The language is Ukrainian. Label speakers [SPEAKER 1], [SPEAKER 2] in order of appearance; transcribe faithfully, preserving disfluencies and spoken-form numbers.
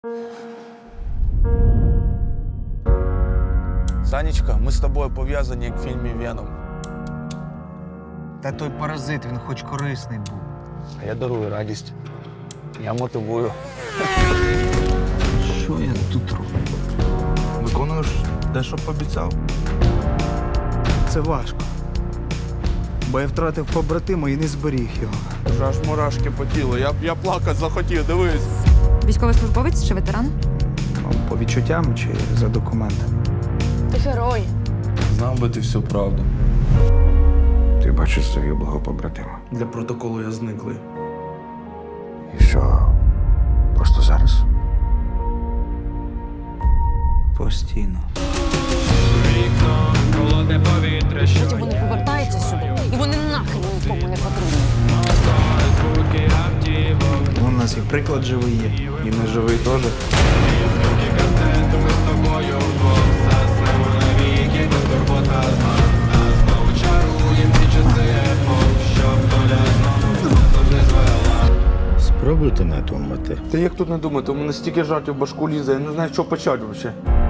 [SPEAKER 1] Санечка, ми з тобою пов'язані, як в фільмі «Веном».
[SPEAKER 2] Та той паразит, він хоч корисний був.
[SPEAKER 1] А я дарую радість. Я мотивую.
[SPEAKER 2] Що я тут роблю?
[SPEAKER 1] Виконуєш те, що пообіцяв?
[SPEAKER 3] Це важко. Бо я втратив побратима і не зберіг його.
[SPEAKER 1] Вже аж мурашки по тілу. Я, я плакати захотів, дивись.
[SPEAKER 4] Військовослужбовець чи ветеран?
[SPEAKER 3] Ну, по відчуттям чи за документами.
[SPEAKER 5] Ти герой.
[SPEAKER 1] Знав би ти всю правду.
[SPEAKER 6] Ти бачиш загиблого побратима.
[SPEAKER 1] Для протоколу я зниклий.
[SPEAKER 6] І що? Просто зараз?
[SPEAKER 3] Постійно.
[SPEAKER 5] Потім вони повертаються сюди, і вони нахрен нікому не потрібні.
[SPEAKER 3] У нас і приклад живий є.
[SPEAKER 1] І не живий теж.
[SPEAKER 6] Спробуйте надумати.
[SPEAKER 1] Та як тут не думати? У мене стільки жартів в башку лізе, я не знаю, що почати взагалі.